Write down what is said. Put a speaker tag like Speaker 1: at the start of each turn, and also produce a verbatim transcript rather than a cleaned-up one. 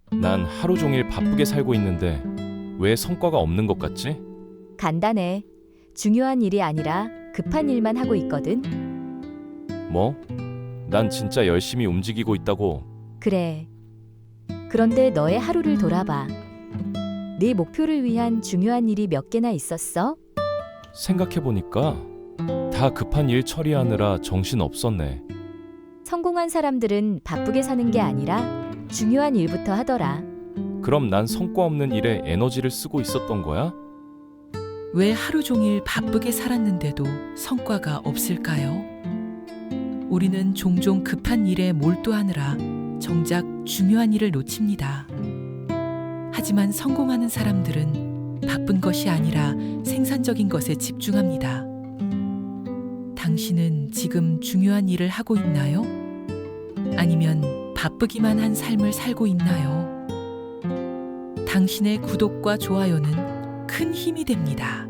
Speaker 1: 난 하루 종일 바쁘게 살고 있는데 왜 성과가 없는 것 같지?
Speaker 2: 간단해. 중요한 일이 아니라 급한 일만 하고 있거든.
Speaker 1: 뭐? 난 진짜 열심히 움직이고 있다고.
Speaker 2: 그래. 그런데 너의 하루를 돌아봐. 네 목표를 위한 중요한 일이 몇 개나 있었어?
Speaker 1: 생각해보니까 다 급한 일 처리하느라 정신 없었네.
Speaker 2: 성공한 사람들은 바쁘게 사는 게 아니라 중요한 일부터 하더라.
Speaker 1: 그럼 난 성과 없는 일에 에너지를 쓰고 있었던 거야?
Speaker 3: 왜 하루 종일 바쁘게 살았는데도 성과가 없을까요? 우리는 종종 급한 일에 몰두하느라 정작 중요한 일을 놓칩니다. 하지만 성공하는 사람들은 바쁜 것이 아니라 생산적인 것에 집중합니다. 당신은 지금 중요한 일을 하고 있나요? 아니면 바쁘기만 한 삶을 살고 있나요? 당신의 구독과 좋아요는 큰 힘이 됩니다.